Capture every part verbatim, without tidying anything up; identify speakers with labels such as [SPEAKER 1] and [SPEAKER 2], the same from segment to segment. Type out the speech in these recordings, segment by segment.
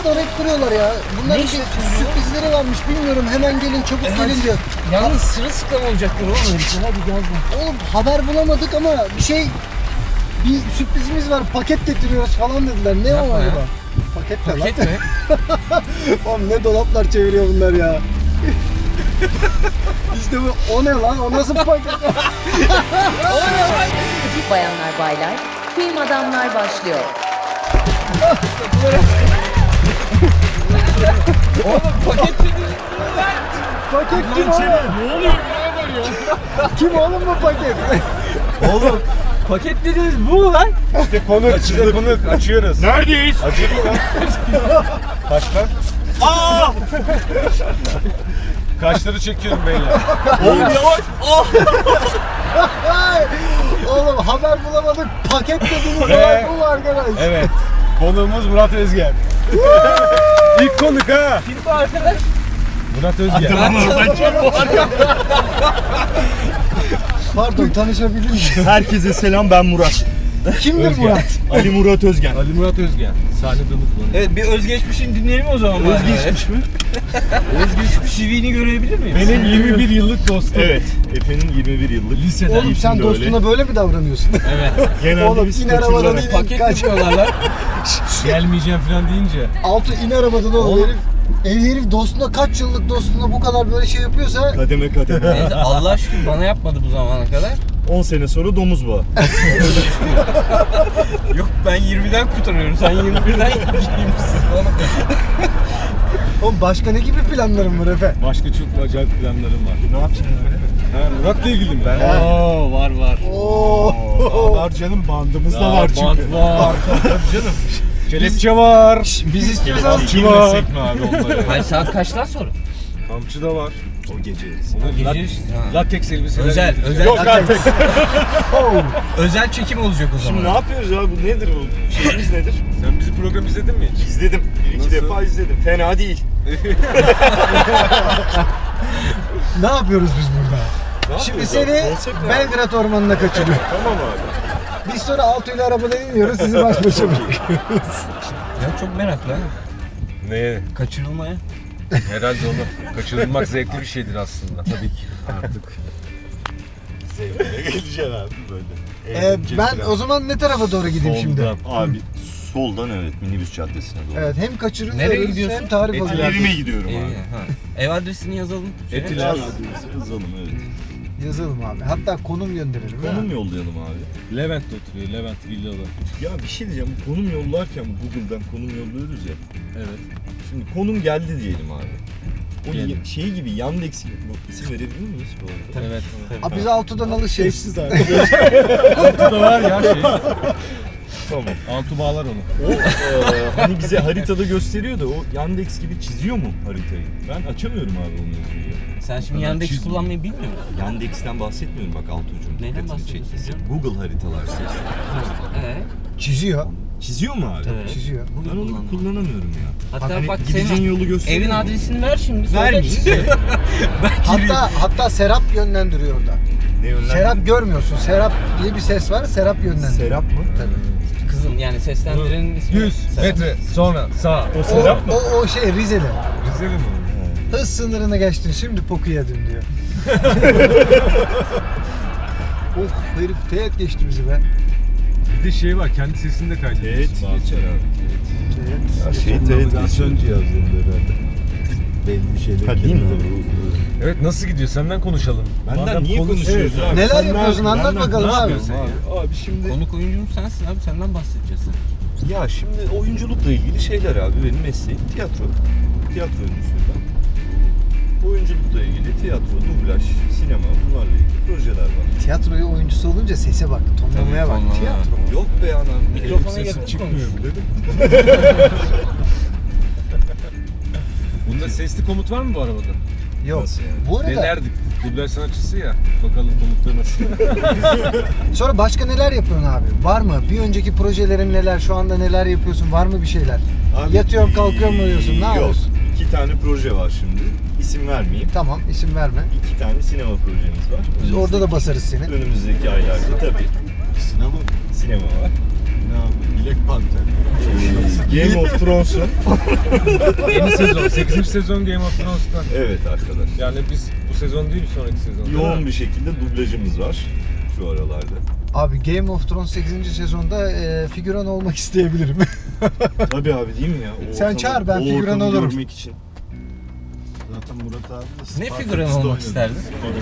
[SPEAKER 1] doğru hep duruyorlar ya. Bunların
[SPEAKER 2] Ne
[SPEAKER 1] bir
[SPEAKER 2] işi
[SPEAKER 1] sürprizleri varmış bilmiyorum. Hemen gelin çabuk
[SPEAKER 2] Evet.
[SPEAKER 1] gelin diyor.
[SPEAKER 2] Yalnız sırılsıklam olacaklar oğlum herifler. Hadi gel gel.
[SPEAKER 1] Oğlum haber bulamadık ama bir şey bir sürprizimiz var. Paket getiriyoruz falan dediler. Ne o
[SPEAKER 2] Yapma ya.
[SPEAKER 1] acaba? Paket ne
[SPEAKER 2] Paket
[SPEAKER 1] lan?
[SPEAKER 2] mi?
[SPEAKER 1] Oğlum ne dolaplar çeviriyor bunlar ya. İşte bu o ne lan? O nasıl paket?
[SPEAKER 3] Bayanlar baylar, film adamlar başlıyor.
[SPEAKER 2] Oğlum paket dedi.
[SPEAKER 1] Paket kim oğlum?
[SPEAKER 2] Ne oluyor?
[SPEAKER 1] Kim oğlum bu paket?
[SPEAKER 2] Oğlum paket dediniz bu mu lan?
[SPEAKER 4] İşte konuk, size konuk açıyoruz.
[SPEAKER 5] Neredeyiz?
[SPEAKER 4] Açıldı lan. Kaç lan?
[SPEAKER 5] Aa!
[SPEAKER 4] Kaşları çekiyorum beyler.
[SPEAKER 5] Oğlum yavaş. Ah!
[SPEAKER 1] Ay, oğlum haber bulamadık. Paket dediğiniz
[SPEAKER 4] Ve-
[SPEAKER 1] olay bu mu arkadaş?
[SPEAKER 4] Evet. Konuğumuz Murat Özgen. İlk konuk ha.
[SPEAKER 2] Kim bu arkadaş?
[SPEAKER 4] Murat Özgen.
[SPEAKER 5] Tamam ben çok bu arada.
[SPEAKER 1] Pardon tanışabilir miyim?
[SPEAKER 5] Herkese selam, ben Murat.
[SPEAKER 1] Kimdir
[SPEAKER 4] Özgen.
[SPEAKER 1] Murat?
[SPEAKER 5] Ali Murat Özgen.
[SPEAKER 4] Ali Murat Özgen. Sahnede unutma.
[SPEAKER 2] Evet bir özgeçmişini dinleyelim o zaman.
[SPEAKER 5] Özgeçmiş mi?
[SPEAKER 2] Özgeçmiş C V'ni görebilir miyim?
[SPEAKER 4] Benim yirmi bir yıllık dostum.
[SPEAKER 5] Evet. Efe'nin yirmi bir yıllık.
[SPEAKER 4] Liseden.
[SPEAKER 1] Oğlum sen
[SPEAKER 5] de
[SPEAKER 1] dostuna böyle mi davranıyorsun?
[SPEAKER 2] Evet.
[SPEAKER 5] Genelde
[SPEAKER 1] Oğlum
[SPEAKER 5] biz
[SPEAKER 1] in
[SPEAKER 5] kaçırılarak-
[SPEAKER 1] arabadan in.
[SPEAKER 2] Paket
[SPEAKER 1] Kaç.
[SPEAKER 2] yapıyorlar lan.
[SPEAKER 4] Gelmeyeceğim falan deyince.
[SPEAKER 1] Altı in arabadan oğlum
[SPEAKER 2] Oğlum.
[SPEAKER 1] herif. Ev herif dostuna kaç yıllık dostuna bu kadar böyle şey yapıyorsa
[SPEAKER 5] Kademe kademe.
[SPEAKER 2] Neyse Allah aşkına bana yapmadı bu zamana kadar.
[SPEAKER 5] on sene sonra domuz bağı.
[SPEAKER 2] Yok ben yirmiden kurtarıyorum. Sen yirmi birden giymişsin oğlum.
[SPEAKER 1] oğlum başka ne gibi planların var Efe?
[SPEAKER 4] Başka çok acayip planlarım var.
[SPEAKER 5] Ne yapacaksın öyle?
[SPEAKER 4] Ha, Murat'la ilgili mi?
[SPEAKER 5] Ben-
[SPEAKER 4] Oo, var var.
[SPEAKER 1] Oo.
[SPEAKER 5] Var canım, bandımız da
[SPEAKER 4] Aa,
[SPEAKER 5] var çünkü.
[SPEAKER 4] bant var. Canım. Kelepçe var.
[SPEAKER 1] Biz istiyorsan
[SPEAKER 4] Kamçı var. mi abi onları?
[SPEAKER 2] Hayır saat kaçtan sonra?
[SPEAKER 4] Kamçı da var.
[SPEAKER 5] O gece.
[SPEAKER 2] Gece
[SPEAKER 4] Lat-
[SPEAKER 2] işte, ha.
[SPEAKER 4] Lateks elbiseler.
[SPEAKER 2] Özel,
[SPEAKER 4] getireceğim.
[SPEAKER 2] özel.
[SPEAKER 4] Yok artık.
[SPEAKER 2] Özel çekim olacak o zaman.
[SPEAKER 5] Şimdi ne yapıyoruz abi? Bu nedir bu? Şeyimiz nedir?
[SPEAKER 4] Sen bizi program izledin mi hiç?
[SPEAKER 5] İzledim. Bir iki
[SPEAKER 4] Nasıl?
[SPEAKER 5] defa izledim. Fena değil.
[SPEAKER 1] ne yapıyoruz biz burada?
[SPEAKER 5] Ne
[SPEAKER 1] Şimdi
[SPEAKER 5] yapıyoruz
[SPEAKER 1] seni
[SPEAKER 5] abi? Konsept ne?
[SPEAKER 1] Belgrad Ormanı'na kaçırıyor.
[SPEAKER 5] Tamam abi.
[SPEAKER 1] Biz sonra Altu ile arabadan iniyoruz, sizi baş başa bırakıyoruz.
[SPEAKER 2] Ya çok meraklı ha.
[SPEAKER 4] Neye?
[SPEAKER 2] Kaçırılmaya.
[SPEAKER 4] Herhalde onu. Kaçırılmak zevkli bir şeydir aslında. Tabii ki. Artık.
[SPEAKER 5] Zevkine geleceksin abi böyle.
[SPEAKER 1] Ee,
[SPEAKER 5] Eğlenceli
[SPEAKER 1] ben
[SPEAKER 5] falan.
[SPEAKER 1] o zaman ne tarafa doğru gideyim şimdi?
[SPEAKER 4] Soldan.
[SPEAKER 5] Abi soldan evet, minibüs caddesine doğru.
[SPEAKER 1] Evet, hem
[SPEAKER 2] Nereye
[SPEAKER 1] kaçırılıyoruz
[SPEAKER 2] gidiyorsun?
[SPEAKER 1] hem tarif
[SPEAKER 4] Etiler.
[SPEAKER 1] alıyoruz.
[SPEAKER 5] Evime gidiyorum
[SPEAKER 2] Ev,
[SPEAKER 5] abi.
[SPEAKER 2] ha. Ev adresini yazalım. Şöyle.
[SPEAKER 4] Etiler.
[SPEAKER 5] Yaz, yazalım evet.
[SPEAKER 1] Yazalım abi. Hatta konum gönderelim.
[SPEAKER 5] Konum
[SPEAKER 1] ha?
[SPEAKER 5] yollayalım abi.
[SPEAKER 4] Levent'te oturuyor. Levent Villa'da.
[SPEAKER 5] Ya bir şey diyeceğim, konum yollarken Google'dan konum yolluyoruz ya.
[SPEAKER 4] Evet.
[SPEAKER 5] Şimdi konum geldi diyelim abi. O
[SPEAKER 4] Geldi.
[SPEAKER 5] y- şey gibi Yandex gibi, bu isim verebilir miyiz bu arada?
[SPEAKER 4] Evet.
[SPEAKER 1] Abi biz Altu'dan alışırız.
[SPEAKER 5] abi.
[SPEAKER 4] Altıda var ya şey.
[SPEAKER 5] Tamam.
[SPEAKER 4] Altı bağlar onu.
[SPEAKER 5] O e, hani bize haritada gösteriyor da o Yandex gibi çiziyor mu haritayı? Ben açamıyorum abi onu yazıyor.
[SPEAKER 2] Sen şimdi
[SPEAKER 4] kadar
[SPEAKER 2] Yandex
[SPEAKER 4] çizmiyor.
[SPEAKER 2] kullanmayı bilmiyor musun?
[SPEAKER 5] Yandex'ten bahsetmiyorum bak Altuğ'cum.
[SPEAKER 2] Neyden
[SPEAKER 5] dikkatini
[SPEAKER 2] bahsediyorsun
[SPEAKER 5] çektiyse.
[SPEAKER 2] canım?
[SPEAKER 5] Google haritalar seçtim.
[SPEAKER 2] Ee,
[SPEAKER 1] Çiziyor.
[SPEAKER 5] Çiziyor mu abi?
[SPEAKER 2] Evet.
[SPEAKER 1] Çiziyor.
[SPEAKER 5] Ben onu
[SPEAKER 2] Kullanmam.
[SPEAKER 5] kullanamıyorum ya.
[SPEAKER 2] hatta
[SPEAKER 5] Hani
[SPEAKER 2] bak
[SPEAKER 5] gideceğin
[SPEAKER 2] senin
[SPEAKER 5] yolu gösteriyor
[SPEAKER 2] evin
[SPEAKER 5] mu?
[SPEAKER 2] adresini ver şimdi. sonra
[SPEAKER 5] Vermiş.
[SPEAKER 2] git. Ben gireyim.
[SPEAKER 1] Hatta hatta Serap yönlendiriyor orada.
[SPEAKER 5] Ne yönlendir?
[SPEAKER 1] Serap görmüyorsun. Serap diye bir ses var. Serap yönlendiriyor.
[SPEAKER 5] Serap mı?
[SPEAKER 1] Tabii.
[SPEAKER 2] Kızım yani seslendirenin ismi.
[SPEAKER 4] yüz metre sonra sağ.
[SPEAKER 5] O
[SPEAKER 1] O,
[SPEAKER 5] Serap mı?
[SPEAKER 1] o, o şey Rize'de.
[SPEAKER 4] Rize'de mi?
[SPEAKER 1] Hız sınırını geçtin, şimdi poku yedim diyor. Of herif teğet geçti bizi be.
[SPEAKER 4] Bir de şey var. Kendi sesini de kaydediyorsun.
[SPEAKER 5] Evet,
[SPEAKER 4] bazen.
[SPEAKER 5] geçer abi.
[SPEAKER 1] Teğet.
[SPEAKER 5] Ya şey
[SPEAKER 4] Navigasyon cihazlarında herhalde.
[SPEAKER 5] belli bir şeyler. Ha değil mi?
[SPEAKER 4] Evet nasıl gidiyor? Senden konuşalım.
[SPEAKER 5] Benden
[SPEAKER 4] Madem
[SPEAKER 5] niye
[SPEAKER 4] konuş-
[SPEAKER 5] konuşuyoruz
[SPEAKER 4] Evet.
[SPEAKER 5] abi?
[SPEAKER 1] Neler
[SPEAKER 5] Sen
[SPEAKER 1] yapıyorsun?
[SPEAKER 5] ne-
[SPEAKER 1] Anlat
[SPEAKER 5] benden-
[SPEAKER 1] bakalım
[SPEAKER 5] ne
[SPEAKER 1] abi.
[SPEAKER 5] yapıyorsun Abi, abi şimdi
[SPEAKER 2] Konuk oyuncum sensin abi senden bahsedeceğiz.
[SPEAKER 5] ya şimdi oyunculukla ilgili şeyler abi, benim mesleğim tiyatro. Tiyatro oyuncusuyum ben. Oyunculukla ilgili tiyatro, dublaj, sinema, bunlarla ilgili projeler var.
[SPEAKER 1] Tiyatroyu oyuncusu olunca sese bak, tonlamaya bak.
[SPEAKER 2] tonlama.
[SPEAKER 1] Tiyatro.
[SPEAKER 5] Yok be anam.
[SPEAKER 2] Mikrofona
[SPEAKER 4] Sesim
[SPEAKER 2] yakın
[SPEAKER 4] çıkmıyor
[SPEAKER 2] konuş.
[SPEAKER 4] bile de. Bunda sesli komut var mı bu arabada?
[SPEAKER 1] Yok.
[SPEAKER 5] Nasıl yani?
[SPEAKER 1] Bu arada
[SPEAKER 4] Denerdik. Dublaj sanatçısı ya. Bakalım komutları nasıl?
[SPEAKER 1] sonra başka neler yapıyorsun abi? Var mı? Bir önceki projelerin neler? Şu anda neler yapıyorsun? Var mı bir şeyler?
[SPEAKER 5] Abi,
[SPEAKER 1] Yatıyorum kalkıyorum mu diyorsun? Ne
[SPEAKER 5] Yok.
[SPEAKER 1] yapıyorsun?
[SPEAKER 5] İki tane proje var şimdi. İsim vermeyeyim.
[SPEAKER 1] Tamam, isim verme.
[SPEAKER 5] İki tane sinema projemiz var.
[SPEAKER 1] Biz orada da basarız seni.
[SPEAKER 5] Önümüzdeki aylarda tabii. Sinema? Sinema var. Ne yapayım?
[SPEAKER 4] Black Panther.
[SPEAKER 5] Ee, Game of Thrones'un
[SPEAKER 2] Yeni sezon, sekizinci sezon Game of Thrones'tan.
[SPEAKER 5] evet arkadaş.
[SPEAKER 2] Yani biz bu sezon değil, sonraki sezon.
[SPEAKER 5] Yoğun bir şekilde dublajımız var şu aralarda.
[SPEAKER 1] Abi Game of Thrones sekizinci sezonda e, figüran olmak isteyebilirim.
[SPEAKER 5] Tabii abi değil mi ya? O
[SPEAKER 1] Sen
[SPEAKER 5] ortamı-
[SPEAKER 1] çağır, ben
[SPEAKER 5] o
[SPEAKER 1] figüran
[SPEAKER 5] ortamı
[SPEAKER 1] olurum.
[SPEAKER 5] görmek için.
[SPEAKER 4] Zaten Murat abi de
[SPEAKER 6] Ne
[SPEAKER 4] Spartaküs'te
[SPEAKER 6] figüran olmak
[SPEAKER 4] oynadı.
[SPEAKER 6] isterdin?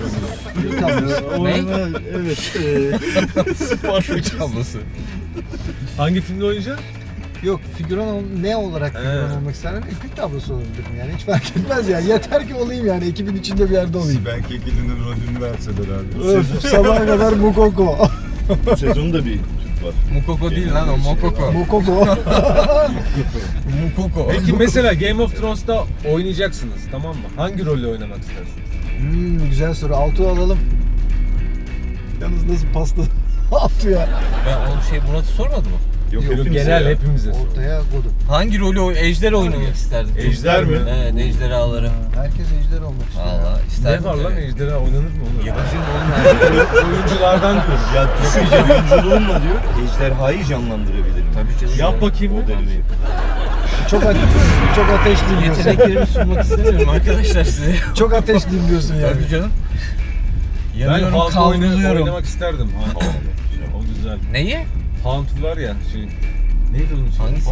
[SPEAKER 5] O
[SPEAKER 6] Ne?
[SPEAKER 5] arada evet. E,
[SPEAKER 6] Spartak tablosu.
[SPEAKER 2] Hangi filmde oynayacaksın?
[SPEAKER 1] Yok, figüran ol, ne olarak figüran
[SPEAKER 2] He.
[SPEAKER 1] olmak isterdim? Ekip tablosu olabilirim yani, hiç fark etmez yani. Yeter ki olayım yani, ekibin içinde bir yerde olayım.
[SPEAKER 4] Sibel Kekilli'nin rolünü verseler abi.
[SPEAKER 1] Öf, sabaha kadar Mukoko.
[SPEAKER 5] Bu sezon da bir Türk var.
[SPEAKER 6] Mukoko değil lan o, Mokoko.
[SPEAKER 1] Mukoko.
[SPEAKER 6] Mukoko.
[SPEAKER 2] Peki mesela Game of Thrones'ta oynayacaksınız, tamam mı? Hangi rolü oynamak istersiniz?
[SPEAKER 1] Hmm, güzel soru. Altuğ alalım. Yalnız nasıl pasta Altuğ ya.
[SPEAKER 6] Ben o şey Murat'ı sormadı mı?
[SPEAKER 5] Yok,
[SPEAKER 1] Yok,
[SPEAKER 5] hepimize
[SPEAKER 2] Genel
[SPEAKER 5] ya.
[SPEAKER 2] hepimize.
[SPEAKER 1] Ortaya kodu.
[SPEAKER 6] Hangi rolü oy- ejder oynamak isterdin?
[SPEAKER 5] Ejder mi?
[SPEAKER 6] Evet, ejderhaları.
[SPEAKER 1] Herkes ejder olmak istiyor.
[SPEAKER 6] Valla
[SPEAKER 2] Ne
[SPEAKER 6] isterdim.
[SPEAKER 2] var lan,
[SPEAKER 6] tabii.
[SPEAKER 2] ejderha oynanır mı oğlum?
[SPEAKER 6] Yakışır mı oğlum ya?
[SPEAKER 2] Oyunculardan diyorum.
[SPEAKER 5] Ya düşünce oyunculuğumla diyor, ejderhayı canlandırabilirim.
[SPEAKER 6] Tabii canım.
[SPEAKER 2] Yap bakayım
[SPEAKER 5] O
[SPEAKER 2] mı?
[SPEAKER 5] derece.
[SPEAKER 1] Çok ateş, çok ateşliyim diyorsun.
[SPEAKER 6] Yeteneklerimi sunmak istemiyorum arkadaşlar size.
[SPEAKER 1] Çok ateşliyim diyorsun yani.
[SPEAKER 6] Tabii canım.
[SPEAKER 2] Ben
[SPEAKER 6] Yanıyorum,
[SPEAKER 2] Hound oyna-
[SPEAKER 6] kavruluyorum.
[SPEAKER 2] oynamak isterdim. Hound. O güzel.
[SPEAKER 6] Neyi?
[SPEAKER 2] Hound var ya şey. Neydi onun için?
[SPEAKER 6] Hangisi?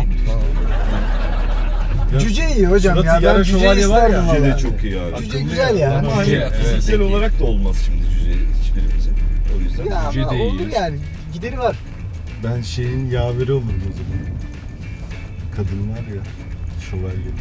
[SPEAKER 1] Cüce iyi hocam
[SPEAKER 2] Suratı
[SPEAKER 1] ya. Ben
[SPEAKER 2] yarı
[SPEAKER 1] cüce
[SPEAKER 2] şövalye var ya.
[SPEAKER 1] isterdim
[SPEAKER 5] Cüce de
[SPEAKER 1] valla.
[SPEAKER 5] çok iyi abi.
[SPEAKER 1] Cüce güzel ya.
[SPEAKER 5] Ama hani
[SPEAKER 2] Cüce, evet.
[SPEAKER 5] fiziksel olarak da olmaz şimdi cüce hiçbirimizin. O yüzden.
[SPEAKER 1] Ya
[SPEAKER 2] Cüce
[SPEAKER 1] ama
[SPEAKER 2] de iyi.
[SPEAKER 1] olur yani. Gideri var.
[SPEAKER 4] Ben şeyin yaveri olurum o zaman. Kadın var ya. Şövalye.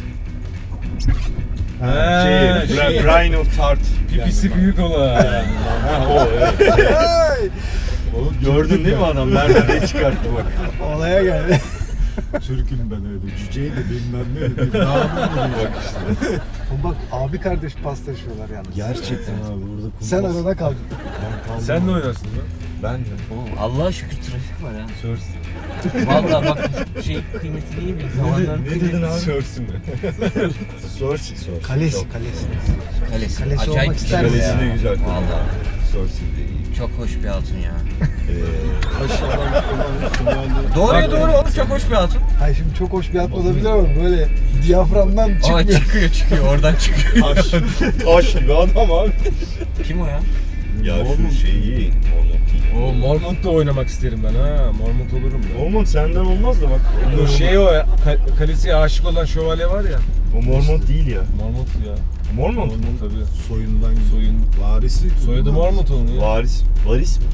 [SPEAKER 2] Ha,
[SPEAKER 5] Şey,
[SPEAKER 2] şey.
[SPEAKER 5] Bra- Brian of Tart.
[SPEAKER 2] Pipisi büyük olan.
[SPEAKER 5] Ha, o evet.
[SPEAKER 1] Ay,
[SPEAKER 5] Oğlum gördün değil mi adam? Nerede ne çıkarttı bak.
[SPEAKER 1] olaya geldi.
[SPEAKER 4] Türk'üm ben öyle. Cüceyi de bilmem ne. Bir namı bak işte.
[SPEAKER 1] Bak abi kardeş paslaşıyorlar yalnız.
[SPEAKER 4] Gerçekten abi burada kumpas.
[SPEAKER 1] Sen arada kaldın.
[SPEAKER 4] Ben kaldım.
[SPEAKER 2] Sen ne oynarsın lan?
[SPEAKER 5] Ben de.
[SPEAKER 6] Oğlum Allah'a şükür trafik var ha.
[SPEAKER 2] Sörsün.
[SPEAKER 6] Vallahi bak şey kıymetini iyi bil. Zamanların
[SPEAKER 5] Ne
[SPEAKER 6] kıymeti.
[SPEAKER 5] dedin abi?
[SPEAKER 2] Sörsün mi?
[SPEAKER 5] Sorsi, Sorsi.
[SPEAKER 1] Kalesi,
[SPEAKER 5] Çok-
[SPEAKER 1] kalesi.
[SPEAKER 6] Kalesi.
[SPEAKER 1] Kalesi
[SPEAKER 6] Acayip
[SPEAKER 1] olmak
[SPEAKER 6] güzel
[SPEAKER 1] ister
[SPEAKER 5] Kalesi
[SPEAKER 6] ya.
[SPEAKER 5] de güzel.
[SPEAKER 6] Vallahi.
[SPEAKER 5] Sorsi de iyi.
[SPEAKER 6] Çok hoş bir hatun ya.
[SPEAKER 5] Ee,
[SPEAKER 4] Aşağıdan olan şövalye.
[SPEAKER 6] Doğruya doğru oğlum, çok hoş bir hatun.
[SPEAKER 1] Hayır şimdi çok hoş bir at olabilir ama böyle diyaframdan
[SPEAKER 6] Aa
[SPEAKER 1] çıkmıyor.
[SPEAKER 6] çıkıyor çıkıyor oradan çıkıyor.
[SPEAKER 5] taş, taş gibi adam abi.
[SPEAKER 6] Kim o ya?
[SPEAKER 5] Ya şu şey iyi. Mormont iyi.
[SPEAKER 2] O Mormont'ta oynamak isterim ben ha. Mormont olurum ben.
[SPEAKER 5] Mormont senden olmaz da bak.
[SPEAKER 2] Bu şey o ya, Ka- Kalesi'ye aşık olan şövalye var ya.
[SPEAKER 5] O Mormont değil ya.
[SPEAKER 2] Mormont ya.
[SPEAKER 5] Mormont mu?
[SPEAKER 2] Tabii.
[SPEAKER 4] Soyundan
[SPEAKER 2] Soyun.
[SPEAKER 4] varisi.
[SPEAKER 2] Soyadı Mormont onun ya.
[SPEAKER 5] Varis. Varis mi?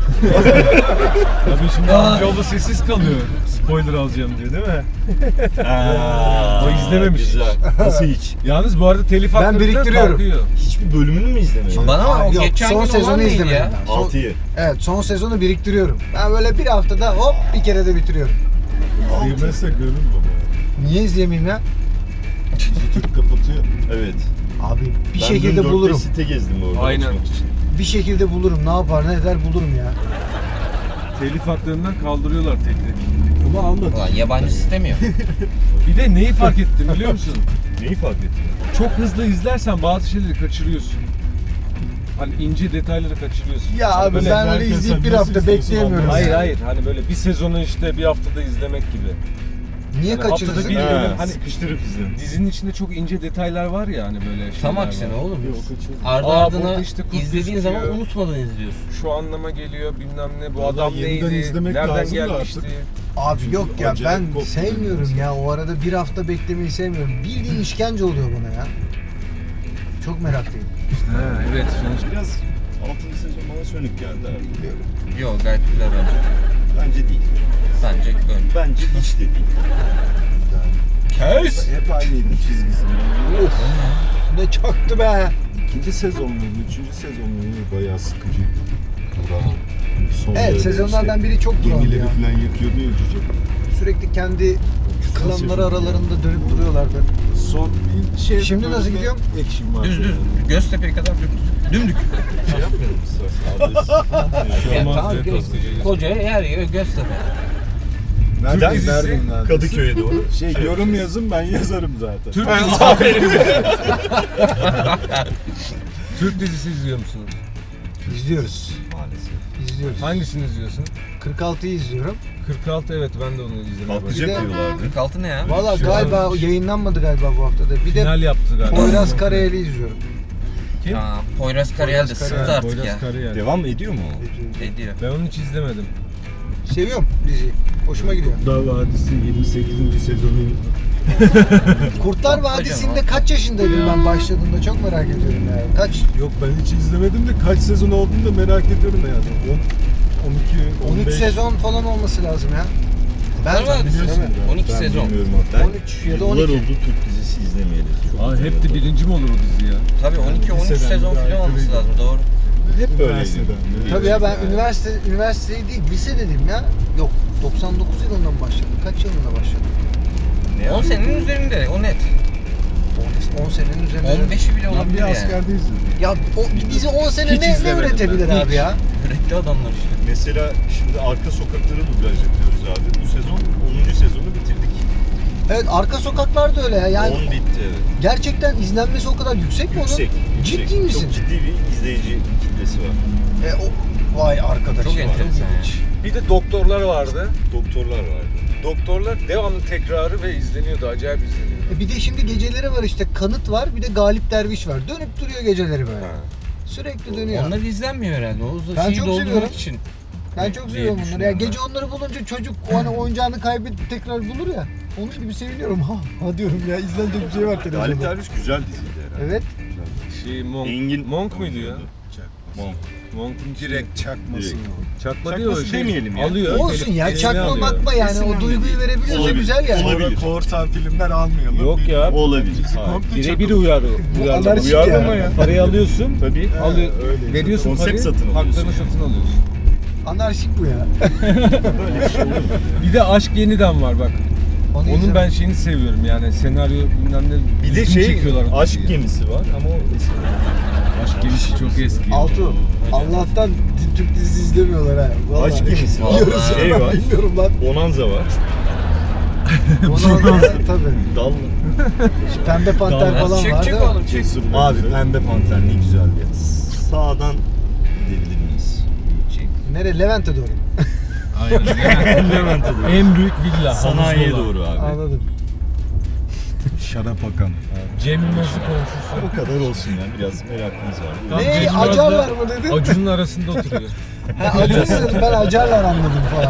[SPEAKER 2] Tabii şimdi amcaoğlu sessiz kalıyor. Spoiler alacağım diyor değil mi?
[SPEAKER 5] Aa,
[SPEAKER 2] O izlememiş.
[SPEAKER 5] Güzel. Nasıl hiç?
[SPEAKER 2] Yalnız bu arada telif
[SPEAKER 1] Ben
[SPEAKER 2] haklarından
[SPEAKER 1] biriktiriyorum.
[SPEAKER 2] kalkıyor.
[SPEAKER 5] Hiçbir bölümünü mü izlemedin?
[SPEAKER 6] Bana ama o
[SPEAKER 1] Yok,
[SPEAKER 6] geçen
[SPEAKER 1] son
[SPEAKER 6] gün
[SPEAKER 1] sezonu
[SPEAKER 6] olan neydi
[SPEAKER 1] izlemedim
[SPEAKER 6] ya?
[SPEAKER 1] ben. Son-
[SPEAKER 5] altıyı.
[SPEAKER 1] Evet, son sezonu biriktiriyorum. Ben böyle bir haftada hop bir kere de bitiriyorum.
[SPEAKER 4] İzleyemezse görür baba.
[SPEAKER 1] Niye izleyemeyeyim ya?
[SPEAKER 4] Türk kapatıyor.
[SPEAKER 5] Evet.
[SPEAKER 1] Abi bir
[SPEAKER 5] Ben
[SPEAKER 1] şekilde
[SPEAKER 5] dün dört beş
[SPEAKER 1] bulurum.
[SPEAKER 5] site gezdim orada.
[SPEAKER 2] Aynen.
[SPEAKER 5] açmak için.
[SPEAKER 1] Bir şekilde bulurum. Ne yapar ne eder bulurum ya.
[SPEAKER 2] Telif haklarından kaldırıyorlar tek tek.
[SPEAKER 4] Ama almadı.
[SPEAKER 6] Ulan yabancı istemiyor.
[SPEAKER 2] Bir de neyi fark ettim biliyor musun?
[SPEAKER 5] Neyi fark ettin?
[SPEAKER 2] Çok hızlı izlersen bazı şeyleri kaçırıyorsun. Hani ince detayları kaçırıyorsun.
[SPEAKER 1] Ya abi
[SPEAKER 2] Böyle-
[SPEAKER 1] ben öyle
[SPEAKER 4] herkes
[SPEAKER 1] izleyip bir
[SPEAKER 4] nasıl
[SPEAKER 1] hafta
[SPEAKER 4] istiyorsun
[SPEAKER 1] bekleyemiyorum.
[SPEAKER 2] Hayır
[SPEAKER 1] ya.
[SPEAKER 2] hayır hani böyle bir sezonu işte bir haftada izlemek gibi.
[SPEAKER 1] Niye
[SPEAKER 2] Yani haftada
[SPEAKER 1] kaçırırsın?
[SPEAKER 2] bir
[SPEAKER 1] ki?
[SPEAKER 2] bölüm
[SPEAKER 5] Ha,
[SPEAKER 2] hani
[SPEAKER 5] sıkıştırıp izle.
[SPEAKER 2] dizinin içinde çok ince detaylar var ya hani böyle şeyler
[SPEAKER 6] Tam
[SPEAKER 2] var.
[SPEAKER 6] aksine oğlum.
[SPEAKER 4] Yok, kaçırdım.
[SPEAKER 6] Ardı
[SPEAKER 2] Aa,
[SPEAKER 6] ardına
[SPEAKER 2] burada işte kurt
[SPEAKER 6] izlediğin zaman
[SPEAKER 2] gözüküyor.
[SPEAKER 6] unutmadan izliyorsun.
[SPEAKER 2] Şu anlama geliyor bilmem ne bu
[SPEAKER 4] Vallahi
[SPEAKER 2] adam
[SPEAKER 4] yeniden
[SPEAKER 2] neydi,
[SPEAKER 4] izlemek
[SPEAKER 2] nereden
[SPEAKER 4] lazım da
[SPEAKER 2] gelmişti.
[SPEAKER 4] artık.
[SPEAKER 1] Abi yok ya
[SPEAKER 4] Acayip
[SPEAKER 1] ben
[SPEAKER 4] koptu
[SPEAKER 1] sevmiyorum
[SPEAKER 4] benim
[SPEAKER 1] ya. O arada bir hafta beklemeyi sevmiyorum. Bildiğin işkence oluyor bana ya. Çok meraklıyım.
[SPEAKER 2] Ha, evet sonuç.
[SPEAKER 5] Biraz altıncı sezon bana sönük geldi abi.
[SPEAKER 6] Yok gayet güzel bence.
[SPEAKER 5] Bence değil.
[SPEAKER 6] Bence ön.
[SPEAKER 5] Bence hiç de değil.
[SPEAKER 6] Kes!
[SPEAKER 4] Hep aynıydı çizgisi.
[SPEAKER 1] Of. Ne çaktı be.
[SPEAKER 4] İkinci sezon muydu? Üçüncü sezon muydu? Bayağı sıkıcı. Bravo. Son
[SPEAKER 1] Evet
[SPEAKER 4] böyle
[SPEAKER 1] sezonlardan
[SPEAKER 4] işte
[SPEAKER 1] biri çok burandı
[SPEAKER 4] gemileri
[SPEAKER 1] ya.
[SPEAKER 4] falan yakıyordu ya cüce.
[SPEAKER 1] Sürekli kendi klanları aralarında dönüp duruyorlardı.
[SPEAKER 4] Son bir şey.
[SPEAKER 1] Şimdi nasıl
[SPEAKER 4] bölümde
[SPEAKER 1] gidiyorum?
[SPEAKER 4] Action var.
[SPEAKER 6] Düz düz. Göztepe'ye kadar dümdük. Dümdük.
[SPEAKER 5] Şey yapmayalım istersen.
[SPEAKER 6] Yani
[SPEAKER 2] Olmaz
[SPEAKER 6] tamam,
[SPEAKER 2] be,
[SPEAKER 6] göz-
[SPEAKER 2] koskoca-
[SPEAKER 6] koca yer yer Göztepe.
[SPEAKER 4] Nereden?
[SPEAKER 2] dizisi
[SPEAKER 4] Nereden? Nereden?
[SPEAKER 5] Kadıköy'e doğru.
[SPEAKER 4] Şey yorum yazın ben yazarım zaten.
[SPEAKER 2] Türk dizisi, Türk dizisi izliyor musunuz?
[SPEAKER 1] İzliyoruz.
[SPEAKER 5] Maalesef.
[SPEAKER 1] İzliyoruz.
[SPEAKER 2] Hangisini izliyorsun?
[SPEAKER 1] kırk altıyı izliyorum.
[SPEAKER 2] kırk altı, evet ben de onu izlemeye başladım.
[SPEAKER 5] Patlayacak
[SPEAKER 1] Bir de-
[SPEAKER 5] diyorlardı.
[SPEAKER 6] kırk altı ne ya?
[SPEAKER 1] Valla
[SPEAKER 2] Şu
[SPEAKER 1] galiba
[SPEAKER 2] an-
[SPEAKER 1] o yayınlanmadı galiba bu haftada. Bir
[SPEAKER 2] Final
[SPEAKER 1] de
[SPEAKER 2] yaptı galiba.
[SPEAKER 1] Poyraz Karayel'i izliyorum.
[SPEAKER 2] Kim?
[SPEAKER 6] Aa, Poyraz Karayel de
[SPEAKER 1] Poyraz
[SPEAKER 6] sıktı
[SPEAKER 1] Karayel,
[SPEAKER 6] artık
[SPEAKER 2] Poyraz
[SPEAKER 6] ya.
[SPEAKER 2] Karayel.
[SPEAKER 5] Devam ediyor mu o?
[SPEAKER 6] Ediyor.
[SPEAKER 2] Ben onu hiç izlemedim.
[SPEAKER 1] Seviyorum diziyi. Hoşuma gidiyor.
[SPEAKER 4] Kurtlar Vadisi yirmi sekizinci sezonu
[SPEAKER 1] Kurtlar Vadisi'nde kaç yaşındaydım ben başladığımda çok merak ediyorum ya. Kaç?
[SPEAKER 4] yok ben hiç izlemedim de kaç sezon olduğunu da merak ediyorum yani. on, on iki, on
[SPEAKER 1] on üç
[SPEAKER 4] beş
[SPEAKER 1] sezon falan olması lazım ya. Ben
[SPEAKER 6] Kurtlar Vadisi
[SPEAKER 4] biliyorsun
[SPEAKER 1] Evet.
[SPEAKER 4] galiba.
[SPEAKER 6] on iki
[SPEAKER 5] Ben
[SPEAKER 6] sezon.
[SPEAKER 5] bilmiyorum abi. Ben
[SPEAKER 1] on üç ya da on
[SPEAKER 5] yıllar
[SPEAKER 1] iki.
[SPEAKER 5] oldu Türk dizisi izlemeyeli. Çok
[SPEAKER 2] Aa, hep de
[SPEAKER 5] üzülüyorum.
[SPEAKER 2] birinci mi olur o dizi ya?
[SPEAKER 6] Tabii on iki on üç
[SPEAKER 4] Liseden
[SPEAKER 6] sezon
[SPEAKER 4] bir
[SPEAKER 6] falan
[SPEAKER 4] daha
[SPEAKER 6] olması
[SPEAKER 4] yukarıydı.
[SPEAKER 6] lazım doğru.
[SPEAKER 5] Hep böyleydi.
[SPEAKER 4] Üniversiteden beri.
[SPEAKER 1] Tabii ya ben
[SPEAKER 5] Yani.
[SPEAKER 1] üniversite üniversiteyi değil lise dedim ya. Yok doksan dokuz yılından başladım. Kaç yılında başladım?
[SPEAKER 5] Ne
[SPEAKER 6] on
[SPEAKER 5] abi?
[SPEAKER 6] senenin üzerinde o net.
[SPEAKER 1] on senenin üzerinde.
[SPEAKER 6] on beşi bile
[SPEAKER 4] Ben
[SPEAKER 6] olabilir
[SPEAKER 4] bir
[SPEAKER 6] yani.
[SPEAKER 4] askerde izledim.
[SPEAKER 1] Ya o bir dizi on sene
[SPEAKER 5] Hiç
[SPEAKER 1] ne, ne
[SPEAKER 5] izlemedim
[SPEAKER 1] üretebilir
[SPEAKER 5] ben.
[SPEAKER 1] abi ya?
[SPEAKER 6] Yürekli adamlar işte.
[SPEAKER 5] Mesela şimdi Arka Sokakları dublaj yapıyoruz abi. Bu sezon onuncu sezonu bitirdik.
[SPEAKER 1] Evet Arka Sokaklar da öyle ya. Yani
[SPEAKER 5] on bitti evet.
[SPEAKER 1] gerçekten izlenmesi o kadar yüksek mi
[SPEAKER 5] Yüksek.
[SPEAKER 1] onun?
[SPEAKER 5] yüksek.
[SPEAKER 1] Ciddi misin?
[SPEAKER 5] Çok ciddi bir izleyici kitlesi var.
[SPEAKER 1] E, o, vay arkadaş.
[SPEAKER 6] Çok
[SPEAKER 1] ya,
[SPEAKER 6] enteresan ya.
[SPEAKER 1] ilginç.
[SPEAKER 2] Bir de doktorlar vardı.
[SPEAKER 5] Doktorlar vardı.
[SPEAKER 2] Doktorlar devamlı tekrarı ve izleniyordu. Acayip izleniyordu.
[SPEAKER 1] E bir de şimdi geceleri var işte Kanıt var bir de Galip Derviş var. Dönüp duruyor geceleri böyle. Sürekli dönüyor.
[SPEAKER 6] Onlar izlenmiyor herhalde. O
[SPEAKER 1] Ben
[SPEAKER 6] şeyi
[SPEAKER 1] çok
[SPEAKER 6] doldurmak
[SPEAKER 1] seviyorum.
[SPEAKER 6] için.
[SPEAKER 1] Ben çok
[SPEAKER 6] diye
[SPEAKER 1] seviyorum bunları. Ya
[SPEAKER 6] düşünüyorum
[SPEAKER 1] gece onları bulunca çocuk o hani oyuncağını kaybedip tekrar bulur ya. Onun gibi seviniyorum. Ha, ha diyorum ya izlenecek bir şey var
[SPEAKER 5] Galip
[SPEAKER 1] televizyonda.
[SPEAKER 5] Derviş güzel diziydi herhalde.
[SPEAKER 1] Evet.
[SPEAKER 2] Şey Monk.
[SPEAKER 5] Engin
[SPEAKER 2] Monk muydu ya?
[SPEAKER 5] Monk.
[SPEAKER 2] Monk'un
[SPEAKER 4] Direkt çakması.
[SPEAKER 5] Direkt.
[SPEAKER 2] çakma diyor.
[SPEAKER 5] Çakması demeyelim ya.
[SPEAKER 2] Alıyor.
[SPEAKER 1] Olsun ya
[SPEAKER 2] eline
[SPEAKER 1] çakma
[SPEAKER 2] alıyor.
[SPEAKER 1] makma yani o
[SPEAKER 5] Kesin
[SPEAKER 1] duyguyu
[SPEAKER 5] öyle.
[SPEAKER 1] verebiliyorsa
[SPEAKER 5] Olabilir.
[SPEAKER 1] güzel yani.
[SPEAKER 5] Olabilir.
[SPEAKER 4] Sonra korsan filmler almayalım.
[SPEAKER 2] Yok
[SPEAKER 4] Bir-
[SPEAKER 2] ya.
[SPEAKER 5] Olabilir.
[SPEAKER 4] Dizi
[SPEAKER 5] Hayır.
[SPEAKER 4] komple
[SPEAKER 2] Birebir
[SPEAKER 4] çakma.
[SPEAKER 2] uyarı. Uyarlama.
[SPEAKER 1] anarşik
[SPEAKER 2] Uyarlama
[SPEAKER 1] ya.
[SPEAKER 2] ya. Parayı alıyorsun.
[SPEAKER 5] Tabii.
[SPEAKER 2] Alıyor,
[SPEAKER 4] öyle.
[SPEAKER 2] veriyorsun
[SPEAKER 5] Konsept
[SPEAKER 2] parayı,
[SPEAKER 5] satın alıyorsun
[SPEAKER 2] haklarını
[SPEAKER 5] yani.
[SPEAKER 2] satın alıyorsun.
[SPEAKER 1] Anarşik bu ya.
[SPEAKER 5] Böyle bir şey olur mu?
[SPEAKER 2] Bir de Aşk Yeniden var bak.
[SPEAKER 1] Onu
[SPEAKER 2] Onun
[SPEAKER 1] izlemem.
[SPEAKER 2] ben şeyini seviyorum yani senaryo bilmem ne.
[SPEAKER 5] Bir de
[SPEAKER 2] düzgün
[SPEAKER 5] şey
[SPEAKER 2] çekiyorlar o
[SPEAKER 5] Aşk
[SPEAKER 2] diziyi.
[SPEAKER 5] Gemisi var ama o eski.
[SPEAKER 2] Aşk Gemisi çok eski.
[SPEAKER 1] Altu. Allah'tan Türk dizisi izlemiyorlar ha. Vallahi.
[SPEAKER 5] Aşk Gemisi var.
[SPEAKER 1] Yiyoruz
[SPEAKER 5] Şey
[SPEAKER 1] ya,
[SPEAKER 5] var.
[SPEAKER 1] bilmiyorum lan.
[SPEAKER 5] Bonanza var.
[SPEAKER 1] Ona tabii.
[SPEAKER 5] Dal.
[SPEAKER 1] Şu Pembe Panter
[SPEAKER 2] Dallar.
[SPEAKER 1] falan
[SPEAKER 6] Çık
[SPEAKER 1] var
[SPEAKER 6] çık
[SPEAKER 1] değil mi?
[SPEAKER 6] oğlum çık.
[SPEAKER 5] Cesur Abi Pembe Panter ne güzeldi ya. Sağdan gidebilir miyiz?
[SPEAKER 1] Nere? Levent'e doğru.
[SPEAKER 2] Aynen.
[SPEAKER 5] Levent'e doğru.
[SPEAKER 2] En büyük villa.
[SPEAKER 5] Sanayiye
[SPEAKER 2] havuzlu olan.
[SPEAKER 5] doğru abi.
[SPEAKER 1] Anladım.
[SPEAKER 4] Şarap akan.
[SPEAKER 2] Cem Yılmaz'ı komşusu.
[SPEAKER 5] O kadar olsun ya. Biraz merakımız var.
[SPEAKER 2] Tam
[SPEAKER 1] Ne?
[SPEAKER 2] Cem Yılmaz'la
[SPEAKER 1] Acarlar mı dedin?
[SPEAKER 2] Acun'un arasında oturuyor.
[SPEAKER 1] Ha, Acun dedim ben Acarlar anladım falan.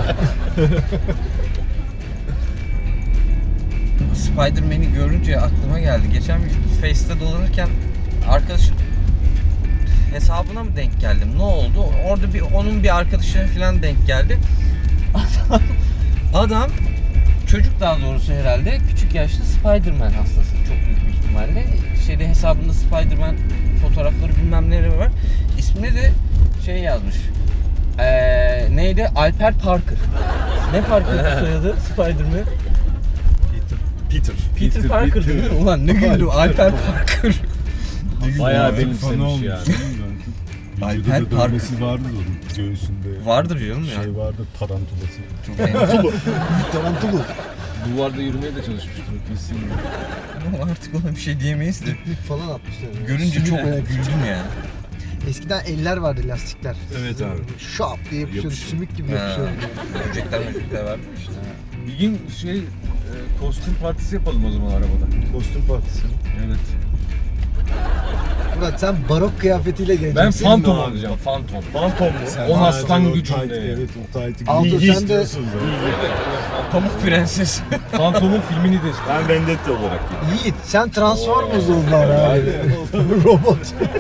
[SPEAKER 6] Spider-Man'i görünce aklıma geldi. Geçen bir Face'te dolanırken arkadaşım hesabına mı denk geldim? Ne oldu? Orada bir onun bir arkadaşına falan denk geldi. Adam, adam çocuk daha doğrusu herhalde küçük yaşta Spider-Man hastası çok büyük bir ihtimalle. Şeyde hesabında Spider-Man fotoğrafları bilmem neleri var. İsmine de şey yazmış. Ee, neydi? Alper Parker. Ne Parker soyadı? Spider-Man.
[SPEAKER 5] Peter.
[SPEAKER 6] Peter,
[SPEAKER 2] Peter,
[SPEAKER 6] Parker
[SPEAKER 2] Peter.
[SPEAKER 6] değil mi? Ulan ne güldüm Alper Parker.
[SPEAKER 2] Bayağı
[SPEAKER 4] Fanı
[SPEAKER 2] benimsemiş
[SPEAKER 4] olmuş
[SPEAKER 2] yani.
[SPEAKER 4] değil mi?
[SPEAKER 6] Alper
[SPEAKER 4] Vücuda da
[SPEAKER 6] Park.
[SPEAKER 4] dövmesi vardı da onun göğsünde.
[SPEAKER 6] Vardır canım ya.
[SPEAKER 4] Şey vardı tarantulası.
[SPEAKER 6] Çok beğendim.
[SPEAKER 1] Tarantulu.
[SPEAKER 2] Duvarda yürümeye de çalışmıştır. Kesin.
[SPEAKER 6] Ama artık ona bir şey diyemeyiz de.
[SPEAKER 1] Lik falan atmışlar.
[SPEAKER 6] Görünce çok
[SPEAKER 1] Sümük.
[SPEAKER 6] güldüm yani.
[SPEAKER 1] Eskiden eller vardı lastikler.
[SPEAKER 5] Evet abi.
[SPEAKER 1] Şap diye yapışıyordu.
[SPEAKER 5] Yapışıyor.
[SPEAKER 1] Sümük gibi
[SPEAKER 6] Ha,
[SPEAKER 1] yapışıyordu.
[SPEAKER 6] böcekler böcekler var işte.
[SPEAKER 2] Bir gün şey e, kostüm partisi yapalım o zaman arabada.
[SPEAKER 5] Kostüm partisi.
[SPEAKER 2] Evet.
[SPEAKER 1] Murat sen barok kıyafetiyle geleceksin.
[SPEAKER 2] Ben Phantom
[SPEAKER 5] abi?
[SPEAKER 2] olacağım. Phantom.
[SPEAKER 5] Fantom mu?
[SPEAKER 4] Sen
[SPEAKER 2] On
[SPEAKER 4] hala
[SPEAKER 2] aslan
[SPEAKER 4] o
[SPEAKER 2] gücünde
[SPEAKER 4] tight-
[SPEAKER 2] yani.
[SPEAKER 4] Evet o tight'i
[SPEAKER 1] Aldo,
[SPEAKER 4] giy-
[SPEAKER 1] sen de-
[SPEAKER 4] istiyorsun zaten.
[SPEAKER 6] Pamuk Prenses.
[SPEAKER 2] Phantom'un filmini de istiyorum.
[SPEAKER 5] Ben Vendetta olarak gittim.
[SPEAKER 1] Yiğit sen Transformers oldun abi. Robot.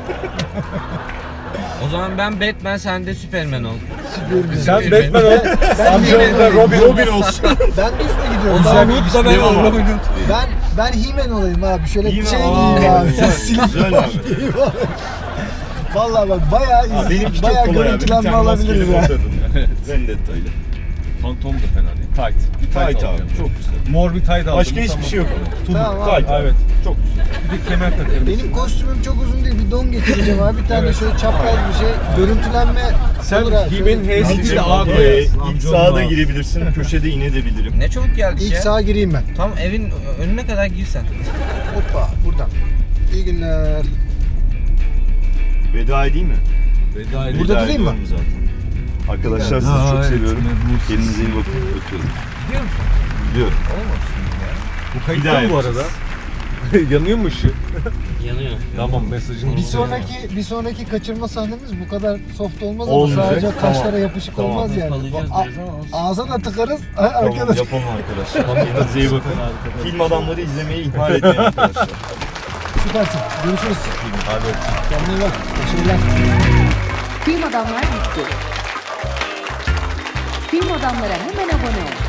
[SPEAKER 6] O zaman ben Batman, sen de Superman ol.
[SPEAKER 1] Superman.
[SPEAKER 2] Sen
[SPEAKER 6] Superman.
[SPEAKER 2] Batman ol.
[SPEAKER 1] Ben
[SPEAKER 2] Amcanın da Robin, Robin olsun.
[SPEAKER 1] Ben düz mü gidiyorum?
[SPEAKER 6] O zaman
[SPEAKER 1] Ben,
[SPEAKER 6] Hood da ben
[SPEAKER 5] Devam abi.
[SPEAKER 6] olurum.
[SPEAKER 1] ben, ben He-Man olayım abi. Şöyle bir
[SPEAKER 5] He-Man,
[SPEAKER 1] şey
[SPEAKER 5] aa,
[SPEAKER 1] giyeyim abi.
[SPEAKER 5] güzel,
[SPEAKER 1] Silip
[SPEAKER 5] güzel abi.
[SPEAKER 1] giyeyim abi. Vallahi bak bayağı
[SPEAKER 5] Aa,
[SPEAKER 1] iz,
[SPEAKER 5] benimki çok
[SPEAKER 1] bayağı
[SPEAKER 5] kolay abi. Bir
[SPEAKER 1] görüntülenme
[SPEAKER 5] tane
[SPEAKER 1] alabiliriz
[SPEAKER 5] maskeli
[SPEAKER 1] ya.
[SPEAKER 5] ortadım ya. Vendetta ile.
[SPEAKER 2] Phantom da fena değil. Tight. Bir tight,
[SPEAKER 5] Tight
[SPEAKER 2] alacağım.
[SPEAKER 5] abi. Çok güzel.
[SPEAKER 2] Mor bir tight aldım.
[SPEAKER 5] Başka hiçbir şey yok onun.
[SPEAKER 1] Tamam abi.
[SPEAKER 5] Tight abi.
[SPEAKER 2] Evet.
[SPEAKER 5] Çok güzel.
[SPEAKER 2] Bir de kemer takarım.
[SPEAKER 1] Benim kostümüm çok uzun değil. Bir don getireceğim abi. Bir tane
[SPEAKER 2] Evet.
[SPEAKER 1] şöyle çapraz bir şey. Görüntülenme
[SPEAKER 2] Sen
[SPEAKER 1] olur ha.
[SPEAKER 2] He-Man'in
[SPEAKER 1] Şöyle-
[SPEAKER 2] H'si değil de A
[SPEAKER 5] Ee,
[SPEAKER 2] koyarsın.
[SPEAKER 5] ilk
[SPEAKER 2] Amcanın
[SPEAKER 5] sağa da
[SPEAKER 2] A.
[SPEAKER 5] girebilirsin. Köşede inebilirim.
[SPEAKER 6] Ne çabuk geldik
[SPEAKER 1] İlk
[SPEAKER 6] ya.
[SPEAKER 1] sağa gireyim ben.
[SPEAKER 6] Tam evin önüne kadar girsen.
[SPEAKER 1] Hoppa buradan. İyi günler.
[SPEAKER 5] Veda edeyim mi?
[SPEAKER 2] Veda edin.
[SPEAKER 1] Burada
[SPEAKER 5] Veda
[SPEAKER 1] durayım mı?
[SPEAKER 5] ediyorum zaten. Arkadaşlar sizi
[SPEAKER 2] Veda
[SPEAKER 5] çok seviyorum.
[SPEAKER 2] etme bu
[SPEAKER 5] Kendinize iyi bakın. Öpüyorum.
[SPEAKER 6] Biliyor musun?
[SPEAKER 5] Biliyorum.
[SPEAKER 6] Olmamışsın ya.
[SPEAKER 2] Bu
[SPEAKER 5] Bir
[SPEAKER 2] kayıtta
[SPEAKER 5] daha
[SPEAKER 2] mı bu
[SPEAKER 5] yapacağız.
[SPEAKER 2] arada? Yanıyor mu ışığı?
[SPEAKER 6] Yanıyor.
[SPEAKER 2] Tamam, mesajını
[SPEAKER 1] Bir sonraki bir sonraki kaçırma sahnemiz bu kadar soft olmaz ama
[SPEAKER 5] Olmayacak.
[SPEAKER 1] sadece
[SPEAKER 5] Tamam.
[SPEAKER 1] kaşlara yapışık
[SPEAKER 5] Tamam.
[SPEAKER 1] olmaz yani.
[SPEAKER 6] Kalacağız
[SPEAKER 1] A-
[SPEAKER 6] biraz ama olsun.
[SPEAKER 1] ağza da tıkarız
[SPEAKER 5] Tamam,
[SPEAKER 1] arkadaş.
[SPEAKER 5] yapalım arkadaşlar. Kendinize iyi bakın. Film adamları izlemeyi ihmal etmeyin arkadaşlar.
[SPEAKER 1] Süpersin. Görüşürüz.
[SPEAKER 5] Hadi.
[SPEAKER 1] Kendine iyi bak. Başarılar.
[SPEAKER 3] Film Adamlar bitti. Film Adamlara hemen abone ol.